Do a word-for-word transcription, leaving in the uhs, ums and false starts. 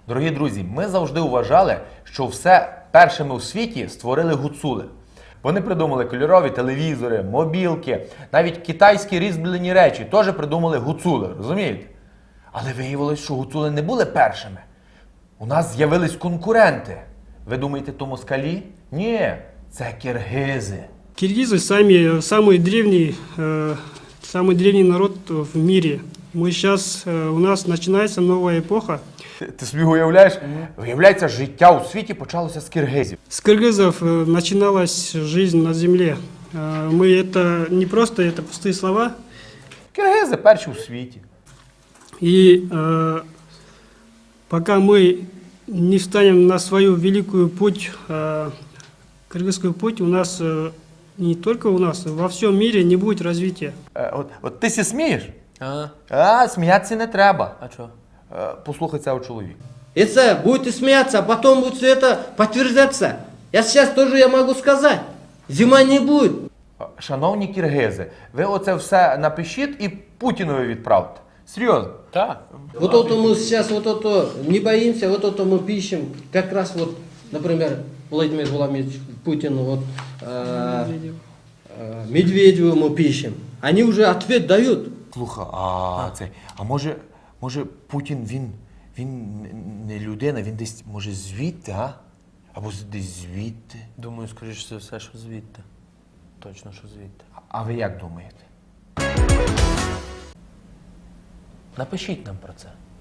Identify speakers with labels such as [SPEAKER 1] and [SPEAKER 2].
[SPEAKER 1] Дорогі друзі, ми завжди вважали, що все першими у світі створили гуцули. Вони придумали кольорові телевізори, мобілки, навіть китайські різьблені речі теж придумали гуцули, розумієте? Але виявилось, що гуцули не були першими. У нас з'явились конкуренти. Ви думаєте, то москалі? Ні, це киргизи.
[SPEAKER 2] Киргизы сами, самый древний, э, самый древний народ в мире. Мы сейчас, э, у нас начинается новая эпоха.
[SPEAKER 1] Ти, ти собі уявляєш? Виявляється, життя у світі почалося з киргизів.
[SPEAKER 2] С кыргызов э, начиналась жизнь на земле. Э, мы это не просто это пустые слова.
[SPEAKER 1] Киргизи перші у світі.
[SPEAKER 2] И э, пока мы не встанем на свою великую путь, э, кыргызскую путь, у нас э, не только у нас, во всем мире не будет развития.
[SPEAKER 1] Е, от, от ти сі смієш?
[SPEAKER 3] А,
[SPEAKER 1] А, сміятися не треба.
[SPEAKER 3] а что?
[SPEAKER 1] Е, послухай цього чоловіка.
[SPEAKER 4] Это будете смеяться, а потом будет все это подтверждаться. Я сейчас тоже я могу сказать. Зима не будет.
[SPEAKER 1] Шановні киргизи, ви оце все напишіть і Путінові відправте. Серйозно.
[SPEAKER 3] Да.
[SPEAKER 4] Вот это мы сейчас вот это не боимся, вот это мы пишем. Как раз вот, например, Владимир Владимирович Путин, вот э, э, Медведеву мы пишем. Они уже ответ дают.
[SPEAKER 1] Слухай, а цей, а може, може Путін, він, він не людина, він десь, може, звідти, а? Або з- десь звідти.
[SPEAKER 3] Думаю, скоріш за все, що звідти. Точно, що звідти.
[SPEAKER 1] А ви як думаєте?
[SPEAKER 3] Напишіть нам про це.